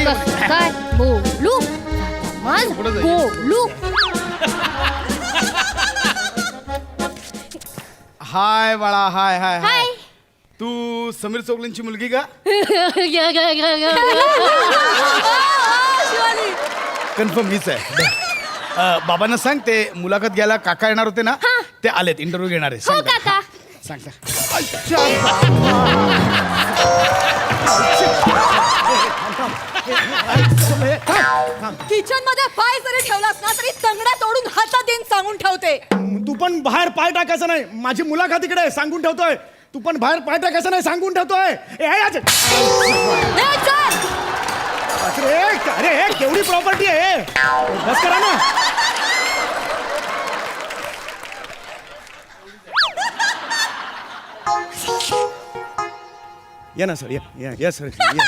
कसं काय बोलू मग बोलू. हाय बाळा, हाय हाय हाय. हाय. तू समीर चौगलेंची मुलगी का? कन्फर्म हीच आहे. बाबांना सांग ते मुलाखत घ्यायला काका येणार होते ना, ते आलेत, इंटरव्ह्यू घेणार आहे. हो काका. सांग सांग. किचन मध्ये पाय जरी ठेवलास ना तरी तंगड्या तोडून हातात देऊन सांगून ठेवते. तू पण बाहेर पाय टाकायचा नाही. माझी मुलाखत इकडे आहे, सांगून ठेवतोय. तू पण बाहेर पाय टाकायचा नाही, सांगून ठेवतोय. अरे केवढी प्रॉपर्टी आहे, बस करा ना. या ना सर, या सर,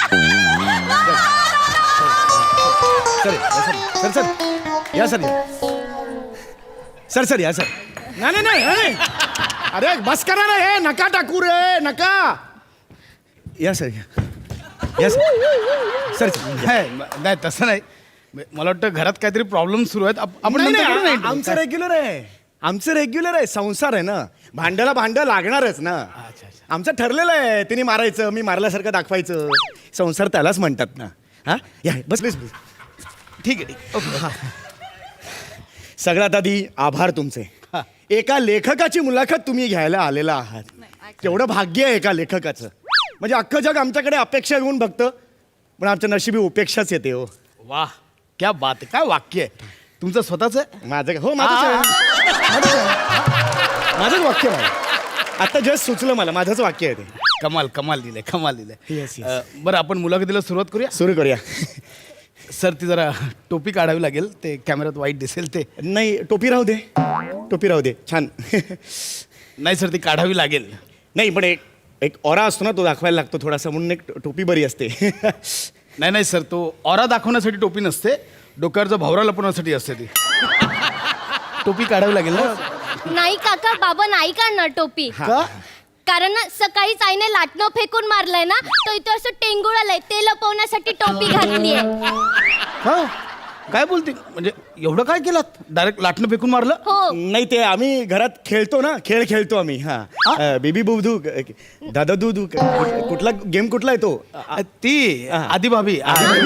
सर सर या सर, सर सर या सर. नाही नाही नाही, अरे बस करा ना, हे नका टाकू रे, नका. या सर, या सर. नाही तसं नाही, मला वाटतं घरात काहीतरी प्रॉब्लेम सुरू आहेत. आपण नाही, नंतर करू ना नाही, interview. आमचं रेग्युलर आहे, आमचं रेग्युलर आहे. संसार आहे ना, भांड्याला भांड लागणारच ना. आमचं ठरलेलं आहे, तिने मारायचं, मी मारल्यासारखं दाखवायचं. संसार त्यालाच म्हणतात ना. हा या बस बस बस. ठीक आहे, ठीक. ओके. सगळ्यात आधी आभार तुमचे. एका लेखकाची मुलाखत तुम्ही घ्यायला आलेला आहात. केवढं भाग्य आहे एका लेखकाचं. म्हणजे अख्खं जग आमच्याकडे अपेक्षा घेऊन बघतं, पण आमच्या नशिबी उपेक्षाच येते. हो वाह, क्या बात आहे. काय वाक्य आहे तुमचं स्वतःच आहे? माझं हो माझंच आहे. माझंच वाक्य आहे. आता जस्ट सुचलं मला, माझंच वाक्य आहे ते. कमाल कमाल दिलंय, कमाल दिलंय. Yes, yes. बरं, आपण मुलाखतीला सुरुवात करूया. सुरू करूया. सर, ती जरा टोपी काढावी लागेल, ते कॅमेऱ्यात वाईट दिसेल ते. नाही टोपी राहू दे, टोपी राहू दे, छान. नाही सर, ती काढावी लागेल. नाही पण एक ऑरा असतो ना, तो दाखवायला लागतो थोडासा, म्हणून एक टोपी बरी असते. नाही नाही सर, तो ऑरा दाखवण्यासाठी टोपी नसते, डोक्यावरचा भावरा लपवण्यासाठी असते ती. टोपी काढावी लागेल ना. नाही काका, बाबा नाही काढणार टोपी. का? कारण ना सकाळीच आईने लाटणं फेकून मारलंय ना, तो इथं असं टेंगुळ आलंय, ते लपवण्यासाठी टोपी घातलीये. हा, काय बोलते? म्हणजे एवढं काय केलं? डायरेक्ट लाटणं फेकून मारलं? हो. नाही ते आम्ही घरात खेळतो ना, खेळ खेळतो आम्ही. हा बेबी बुबधू, दादा दूधू, कुठला गेम कुठला आहे तो? ती आधी भाभी.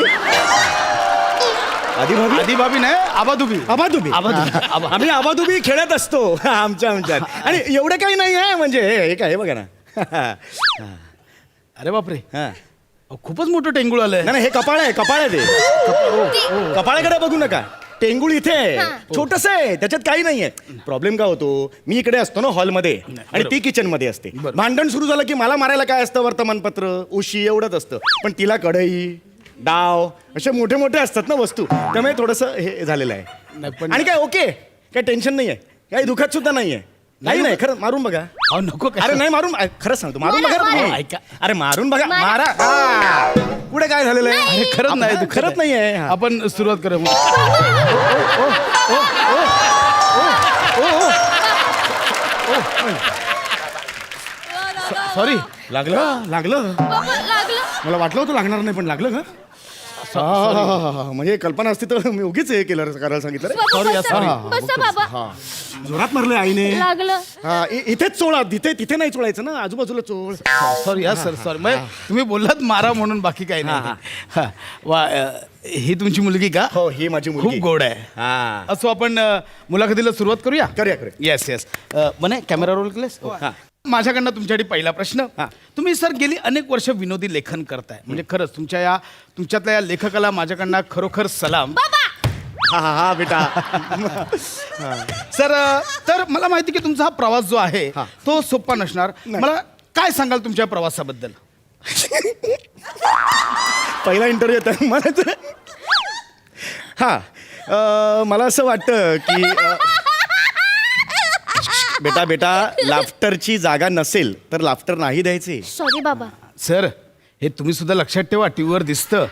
आधी भाभी नाही, आबाधुबी. आबाधुबी. आम्ही आबाधुबी खेळत असतो आमच्यात. आणि एवढं काही नाही आहे, म्हणजे हे काय बघा ना. अरे बापरे, हा खूपच मोठं टेंगुळ आलंय. नाही हे कपाळ आहे, कपाळ आहे ते. कपाळाकडे बघू नका, टेंगुळ इथे आहे, छोटस आहे, त्याच्यात काही नाहीये. प्रॉब्लेम काय होतो, मी इकडे असतो ना हॉलमध्ये आणि ती किचन मध्ये असते. भांडण सुरू झालं की मला मारायला काय असतं, वर्तमानपत्र, उशी एवढंच असतं. पण तिला कढई, डाव असे मोठे मोठे असतात ना वस्तू, त्यामुळे थोडस हे झालेलं आहे. आणि काय ओके, काय टेन्शन नाहीये, काही दुखत सुद्धा नाहीये. नाही खरं मारून बघा. नको. अरे नाही मारून, खरंच सांगतो, मारून बघा ना. ऐका. अरे मारून बघा, मारा. पुढे काय झालेलं आहे? अरे खरंच नाही, खरंच नाहीये. आपण सुरुवात करू. सॉरी. लागलं लागलं बाबा, लागलं. मला वाटलं होतं लागणार नाही, पण लागलं का? म्हणजे कल्पना असती तर मी उगीच हे केलं, करायला सांगितलं रे. बाबा, बसा बाबा. जोरात मारलं आईने. लागलं. इथेच चोळा, तिथे नाही चोळायचं ना, आजूबाजूला चोळ. Sorry sir, sorry. तुम्ही बोललात मारा म्हणून, बाकी काही नाही. हा. वा, ही तुमची मुलगी का? हो, ही माझी मुलगी. खूप गोड आहे. असो, आपण मुलाखतीला सुरुवात करूया. करूया. येस. म्हणे कॅमेरा रोल केलेस? माझ्याकडनं तुमच्यासाठी पहिला प्रश्न. तुम्ही सर गेली अनेक वर्ष विनोदी लेखन करताय, म्हणजे खरंच तुमच्यातल्या या लेखकाला माझ्याकडनं खरोखर सलाम. हा बेटा. सर, तर मला माहिती की तुमचा हा प्रवास जो आहे तो सोपा नसणार. मला काय सांगाल तुमच्या प्रवासाबद्दल? पहिला इंटरव्ह्यू येतात मला. मला असं वाटतं की बेटा लाफ्टरची जागा नसेल तर लाफ्टर नाही द्यायचे. सॉरी बाबा. सर, हे तुम्ही सुद्धा लक्षात ठेवा, टीव्हीवर दिसतं.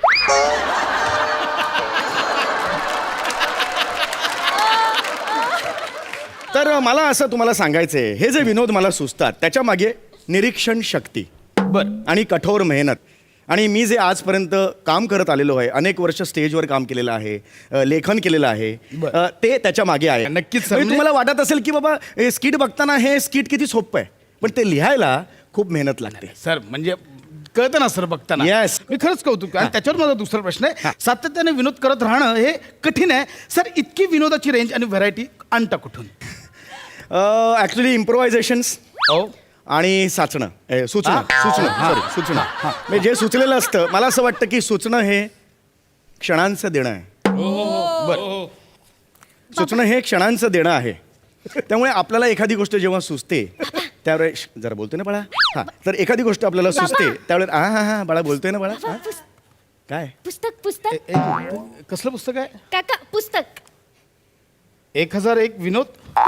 तर मला असं तुम्हाला सांगायचंय, हे जे विनोद मला सुचतात त्याच्या मागे निरीक्षण शक्ती बर आणि कठोर मेहनत आणि मी जे आजपर्यंत काम करत आलेलो आहे, अनेक वर्ष स्टेजवर काम केलेलं आहे, लेखन केलेलं आहे, ते त्याच्या मागे आहे. नक्कीच सर. म्हणजे तुम्हाला वाटत असेल की बाबा स्किट बघताना हे स्किट किती सोपं आहे, पण ते लिहायला खूप मेहनत लागते. सर म्हणजे कळतं ना सर बघताना. Yes. मी खरंच कौतुक आणि त्याच्यावर माझा दुसरा प्रश्न आहे, सातत्याने विनोद करत राहणं हे कठीण आहे सर. इतकी विनोदाची रेंज आणि व्हरायटी आणता कुठून? ॲक्च्युली इम्प्रोव्हायझेशन्स हो आणि सुचणं सुचणं म्हणजे जे सुचलेलं असतं, मला असं वाटतं की सुचणं हे क्षणांचं देणं आहे. बरं. सुचणं हे क्षणांचं देणं आहे. त्यामुळे आपल्याला एखादी गोष्ट जेव्हा सुचते त्यावेळेस जरा बोलतोय ना बाळा, हा, तर एखादी गोष्ट आपल्याला सुचते त्यावेळेस हा बाळा बोलतोय ना बाळा, हा? काय पुस्तक कसलं पुस्तक आहे? काका पुस्तक. 1001 विनोद.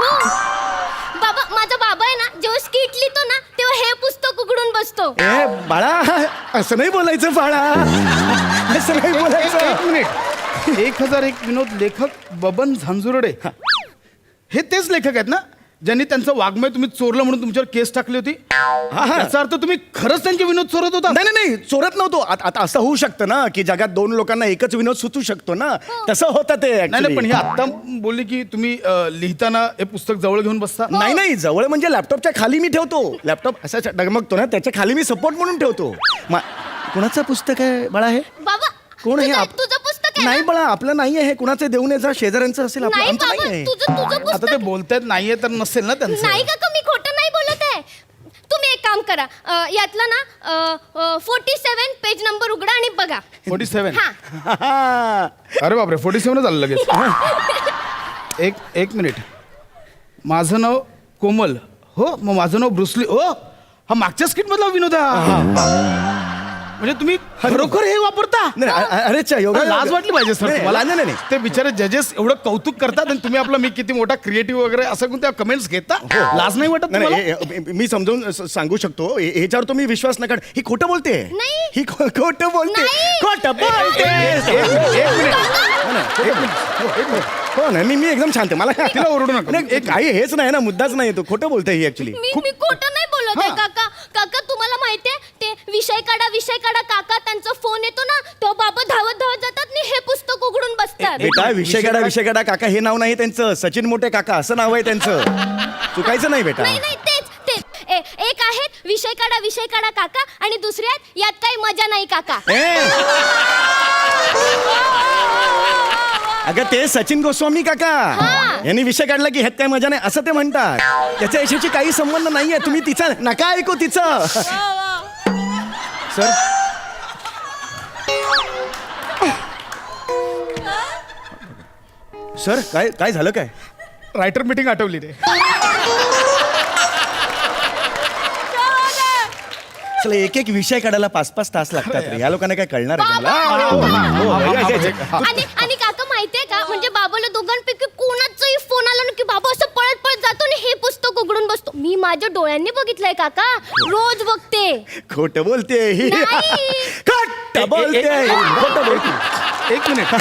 बाबा माझा बाबा आहे ना, जेव्हा स्किट लिहितो ना तेव्हा हे पुस्तक उघडून बसतो. ए बाळा, असं नाही बोलायचं बाळा, असं नाही बोलायचं. एक मिनिट. 1001 विनोद लेखक बबन झांजुर्डे हे तेच लेखक आहेत ना ज्यांनी त्यांचं वाङ्मय तुम्ही चोरलं म्हणून तुमच्यावर केस टाकली होती? याचा अर्थ तुम्ही खरंच त्यांचे विनोद चोरत होता? नाही नाही नाही, चोरत नव्हतो. आता असं होऊ शकतं ना की जगात दोन लोकांना एकच विनोद सुचू शकतो ना, तसं होतं ते. नाही पण हे आत्ता बोलली की तुम्ही लिहिताना हे पुस्तक जवळ घेऊन बसता. नाही नाही, जवळ म्हणजे लॅपटॉपच्या खाली मी ठेवतो. लॅपटॉप असा डगमगतो ना, त्याच्या खाली मी सपोर्ट म्हणून ठेवतो. कुणाचं पुस्तक आहे बाळा हे? बाबा कोण हे? तुझं पुस्तक आहे नाही ना? बाळा, आपलं नाही आहे. हे कुणाचे देऊन याचा शेजाऱ्यांचं असेल, आपलं नाही आमचं बाबा, नाही आहे. तुझं आता पुस्तक ते बोलतायत नाहीये तर नसेल ना त्यांचं. नाही काका, मी खोटं नाही बोलत आहे. तुम्ही एक काम करा, यातला ना 47 पेज नंबर उघडा आणि बघा. 47. हा अरे बापरे, 47 झालं लगेच. एक मिनिट. माझं नाव कोमल. हो, मग माझं नाव ब्रुसली. हो, हा मागच्या स्किट मधला विनोद आहे. म्हणजे तुम्ही खरोखर हे वापरता? अरे हा, लाज वाटली पाहिजे सर तुम्हाला. नाही नाही. ते बिचारे जजेस एवढं कौतुक करतात आणि तुम्ही आपला मी किती मोठा क्रिएटिव्ह वगैरे असं कोणत्या कमेंट्स घेता? लाज नाही वाटत तुम्हाला? नाही, मी समजावून सांगू शकतो. ह्याच्यावर तुम्ही विश्वास नका. ही खोटं बोलते. नाही. ही खोटं बोलते. नाही. खोटं बोलते. हो ना, मी एकदम शांत आहे. मला तिला ओरडू नका. नाही, काही हेच नाही ना, मुद्दाच नाही. तो खोटं बोलते ही ऍक्च्युली. मी खोटं नाही बोलत आहे काका. काका तुम्हाला माहितीये ते विषय काढा काका, त्यांचा फोन येतो ना, तो बाबा धावत जातात आणि हे पुस्तक उघडून बसतात. बेटा, विषय काढा काका हे नाव नाही त्यांचं. सचिन मोठे काका असं नाव आहे त्यांचं. चुकायचं नाही बेटा. नाही तेच एक आहेत विषय काढा काका आणि दुसरे आहेत यात काही मजा नाही काका. अगं ते सचिन गोस्वामी काका यांनी विषय काढला की ह्यात काय मजा नाही असं ते म्हणतात. त्याच्या यशाची काही संबंध नाहीये. तुम्ही तिचा नका ऐकू तिचं. सर काय झालं काय? रायटर मीटिंग आठवली रे. चला, एक विषय काढायला 5-5 तास लागतात रे. या लोकांना काय कळणार आहे का आणि काका माहितीये का, म्हणजे बाबाला दोघांपैकी कोणाचाही फोन आला ना की बाबा असं पळत जातो आणि हे पुस्तक उघडून बसतो. मी माझ्या डोळ्यांनी बघितलंय काका, रोज बघते. खोटं बोलते ही. नाही. खोटं बोलते. एक मिनिट.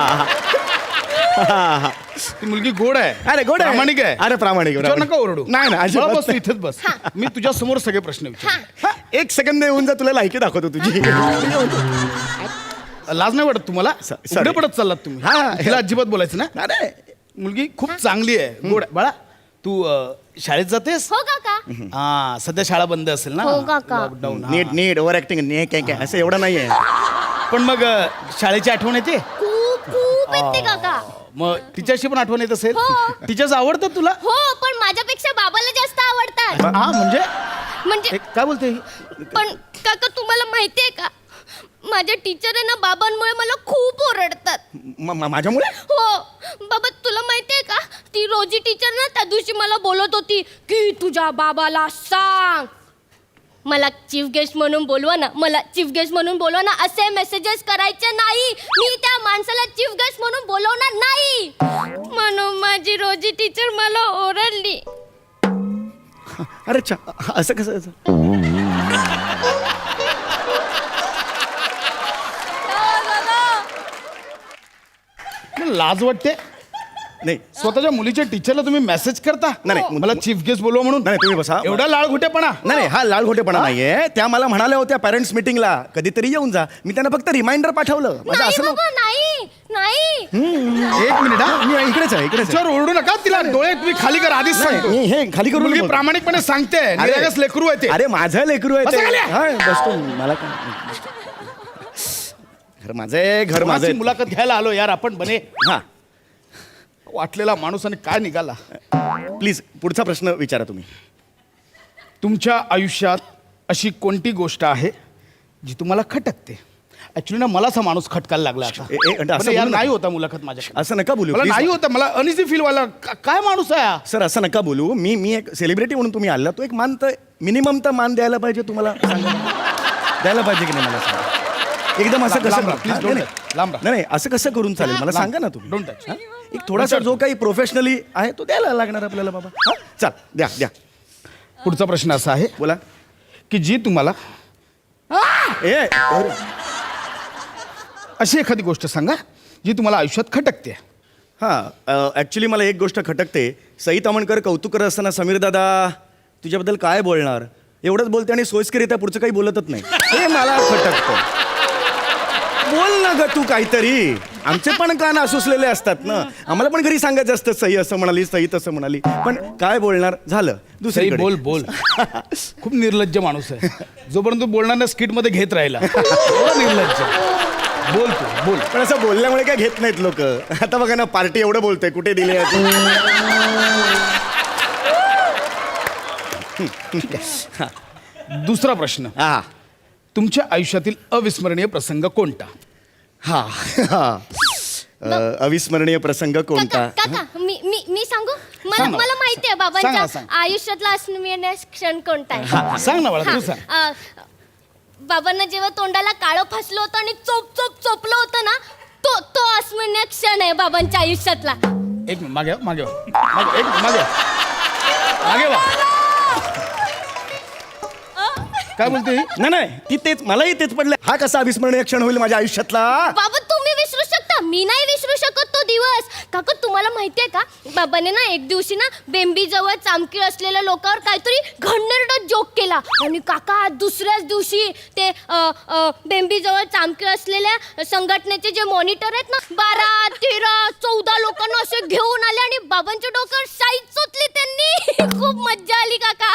ती मुलगी गोड आहे. अरे गोड आहे. प्रामाणिक आहे. अरे प्रामाणिक. तिच्यावर नका ओरडू. नाही ना, अजिबात मला बस तू नाही. इथेच बस. मी तुझ्या समोर सगळे प्रश्न विचार. एक सेकंद येऊन जा, तुला लायकी दाखवतो तुझी. लाज नाही वाटत तुम्हाला? sorry. पुढे पडत चाललात तुम्ही. हिला अजिबात बोलायचं ना. अरे मुलगी खूप चांगली आहे, गोड आहे. बाळा तू शाळेत जातेस? हो काका. हा, सध्या शाळा बंद असेल ना. हो काका. लॉकडाऊन. नीट ओव्हर ऍक्टिंग काय असं एवढं नाहीये. पण मग शाळेची आठवण येते? खूप येते काका. मग टीचरशी पण आठवण येत असेल? हो. टीचर्स आवडतात तुला? हो, पण माझ्यापेक्षा बाबाला जास्त आवडतात. हा म्हणजे काय बोलते ही? पण काका तुम्हाला माहितीये का, माझ्या टीचर आहे ना बाबांमुळे मला खूप ओरडतात. माझ्यामुळे? हो बाबा, तुला माहितीये का, ती रोजी टीचर ना त्या दिवशी मला बोलत होती की तुझ्या बाबाला सांग मला चीफ गेस्ट म्हणून बोलवा ना, असे मेसेजेस करायचे नाही. मी त्या माणसाला चीफ गेस्ट म्हणून बोलवणार नाही म्हणून माझी रोजी टीचर मला ओरडली. अरे असं कसं? लाज वाटते. नाही स्वतःच्या मुलीच्या टीचरला तुम्ही मेसेज करता नाही, मला चीफ गेस्ट बोलवा म्हणून नाही, तुम्ही बसा. एवढा लाळ घोटेपणा नाही हा लाल घोटेपणा नाहीये. त्या मला म्हणाल्या होत्या पॅरेंट्स मिटिंगला कधीतरी येऊन जा. मी त्यांना फक्त रिमाइंडर पाठवलं. माझं नाही असं बाबा नाही नाही एक मिनिट हा मी इकडेच आहे इकडेच आहे. तिच्यावर ओरडू नका तिला डोळे तुम्ही खाली करा आधीच नाही, सांगतो. मी हे खाली करून मुलगी बोलतो. प्रामाणिकपणे सांगते निरागस लेकरू आहे ते. अरे माझं लेकरू आहे बसा ते. खाली. हा, बसतो मला काय घर माझं आहे घर माझं माझी आहे. मुलाखत घ्यायला आलो यार आपण बने हा वाटलेला माणूस आणि काय निघाला. प्लीज पुढचा प्रश्न विचारा तुम्ही. तुमच्या आयुष्यात अशी कोणती गोष्ट आहे जी तुम्हाला खटकते. ऍक्च्युली ना मलाच हा माणूस खटकायला लागला आता. असं पण यार बोलू नाही नका. होता मुलाखत माझ्या असं नका बोलू मला please. नाही होता मला अनइझी फील व्हायला काय माणूस आहे हा? सर असं नका बोलू. मी एक सेलिब्रिटी म्हणून तुम्ही आला तो एक मान तर मिनिमम तर मान द्यायला पाहिजे तुम्हाला सांगा. द्यायला पाहिजे की नाही मला सांगा. एकदम असं कसं लांब राहा, हा, please नाही, don't नाही. touch. लांब राहा. नाही असं कसं करून चालेल मला सांगा ना तुम्ही. Don't touch. हा? एक थोडासा जो काही प्रोफेशनली आहे तो द्यायला लागणार आपल्याला बाबा. हा? चल द्या द्या पुढचा प्रश्न असा आहे बोला. की जी तुम्हाला ए अरे. अशी एखादी गोष्ट सांगा जी तुम्हाला आयुष्यात खटकते. हां ॲक्च्युली मला एक गोष्ट खटकते. सई तामणकर कौतुक करत असताना समीर दादा तुझ्याबद्दल काय बोलणार एवढंच बोलते आणि सोयीस्करित्या पुढचं काही बोलतच नाही. हे मला खटकतं. बोल ना ग तू काहीतरी. आमचे पण कान असुसलेले असतात ना. आम्हाला पण घरी सांगायचं असतं सई असं म्हणाली सई तसं म्हणाली पण काय बोलणार झालं सई दुसरीकडे. बोल बोल खूप निर्लज्ज माणूस आहे. जोपर्यंत तू बोलणार ना स्किट मध्ये घेत राहिला एवढा निर्लज्ज. बोल तू बोल. पण असं बोलल्यामुळे काय घेत नाहीत लोक. आता बघा ना पार्टी एवढं बोलतोय कुठे दिली आहे दुसरा प्रश्न हा तुमच्या आयुष्यातील अविस्मरणीय प्रसंग कोणता. हा हा अविस्मरणीय प्रसंग कोणता. काका मी मी मी सांगू मला सांग ना. मला माहिती आहे सांग ना, बाबांच्या सांग. आयुष्यातला अविस्मरणीय क्षण कोणता आहे. हा, सांग ना मला हा, तू सांग. बाबांना जेव्हा तोंडाला काळं फासलं होतं आणि चोप चोप चोपलं होतं ना तो तो अविस्मरणीय क्षण आहे बाबांच्या आयुष्यातला. एक मिनिट मागे वा, मागे वा. मागे एक मिनिट, मागे वा. मागे वा. काय बोलते ही? नाही नाही ती तेच मलाही तेच पडलं. हा कसा अविस्मरणीय क्षण होईल माझ्या आयुष्यातला. बाबा तुम्ही विसरू शकता मी नाही विसरू शकत तो दिवस. काका तुम्हाला माहितीये का बाबाने ना एक दिवशी ना बेंबी जवळ चामकीळ असलेल्या लोकांवर काहीतरी घडणेरडा जोक केला आणि काका दुसऱ्याच दिवशी ते बेंबी जवळ चामकीळ असलेल्या संघटनेचे जे मॉनिटर आहेत ना 12, 13, 14 लोकांना असे घेऊन आले आणि बाबांच्या डोक्यावर साईज चोचली त्यांनी. खूप मज्जा आली काका.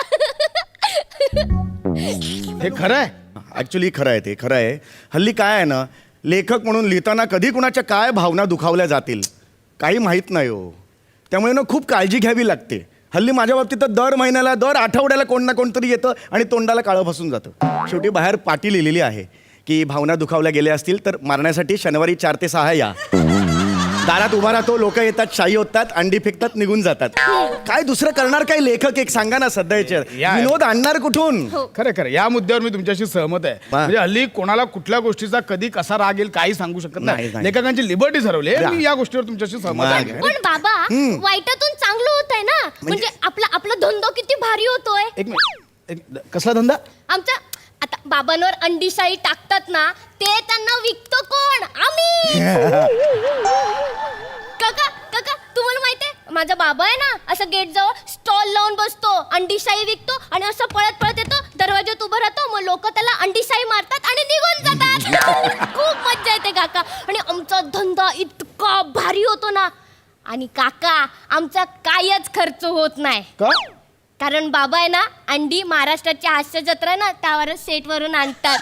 हे खरं आहे. ऍक्च्युली खरं आहे ते खरं आहे. हल्ली काय आहे ना लेखक म्हणून लिहिताना कधी कुणाच्या काय भावना दुखावल्या जातील काही माहीत नाही हो. त्यामुळे ना खूप काळजी घ्यावी लागते. हल्ली माझ्या बाबतीत तर दर महिन्याला दर आठवड्याला कोण ना कोणतरी येतं आणि तोंडाला काळं फसून जातं. शेवटी बाहेर पाटी लिहिलेली आहे की भावना दुखावल्या गेल्या असतील तर मारण्यासाठी शनिवारी 4 ते 6 या. दारात उभा राहतो लोक येतात शाई होतात अंडी फेकतात निघून जातात. काय दुसरं करणार काय लेखक एक सांगा ना सध्याच्या या- विनोद आणणार कुठून. खरं खरं या मुद्द्यावर मी तुमच्याशी सहमत आहे. म्हणजे हल्ली कोणाला कुठल्या गोष्टीचा कधी कसा राग येईल काही सांगू शकत नाही. नाही, नाही. लेखकांची लिबर्टी ठरवली आहे. या. मी या गोष्टीवर तुमच्याशी सहमत नाही. आहे. पण बाबा वाईटातून चांगलं होतंय ना म्हणजे आपला धंदा किती भारी होतोय. एक मिनिट कसला धंदा. आमच्या आता बाबांवर अंडीशाही टाकतात ना ते त्यांना विकतो कोण आम्ही. काका काका तुम्हाला माहितीये माझा बाबा आहे ना असं गेट जवळ स्टॉल लावून बसतो अंडीशाही विकतो आणि असं पळत पळत येतो दरवाज्यात उभं राहतो मग लोक त्याला अंडीशाही मारतात आणि निघून जातात. खूप मज्जा येते काका आणि आमचा धंदा इतका भारी होतो ना आणि काका आमचा कायच खर्च होत नाही का कारण बाबा आहे ना अंडी महाराष्ट्राची हास्य जत्रा ना त्यावरच सेट वरून आणतात.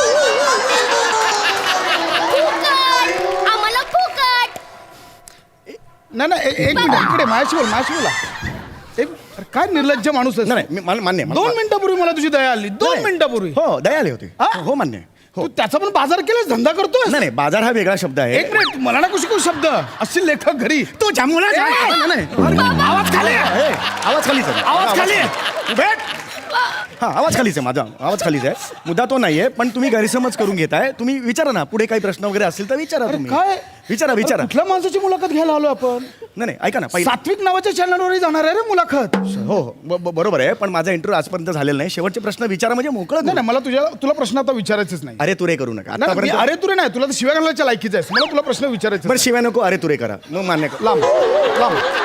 फुकट! आम्हाला फुकट. नाही नाही एक मिनिट इकडे माझ्याशी बोल माझ्याशी बोला. अरे, काय निर्लज्ज माणूस आहे. नाही नाही, मला मान्य आहे. 2 मिनिटापूर्वी मला तुझी दया आली. 2 नाही. मिनिटापूर्वी हो दया आली होती. हा? हो मान्य आहे. हो तू त्याचा पण बाजार केलास धंदा करतोय. नाही नाही बाजार हा वेगळा शब्द आहे. एक मिनिट मला ना कुशी शब्द असतील लेखक घरी. तो जांभूळा ए, नाही, नाही. आवाज खाली आहे. ए, आवाज खाली चल. आवाज खाली आहे. तू भेट हा आवाज खालीच आहे माझा, आवाज खालीच आहे, मुद्दा तो नाहीये. पण तुम्ही गैरसमज करून घेताय. तुम्ही विचारा ना, पुढे काही प्रश्न वगैरे असतील तर विचारा तुम्ही. काय विचारा विचारा. कुठल्या माणसाची मुलाखत घ्यायला आलो आपण? नाही ऐका ना पहिला. सात्विक नावाच्या चॅनलवरही जाणार आहे रे मुलाखत. हो बरोबर आहे, पण माझा इंटरव्ह्यू आजपर्यंत झालेला नाही. शेवटचे प्रश्न विचारा म्हणजे मोकळं. नाही मला तुला प्रश्न आता विचारायचेच नाही. अरे तुरे करू नका नाही, मी आतापर्यंत. अरे तुरे नाही, तुला तर शिव्या घालण्याच्या लायकीच आहेस. मला तुला प्रश्न विचारायचे. बरं शिवाय नको अरे तुरे करा, मग मान्य कर. लांब लांब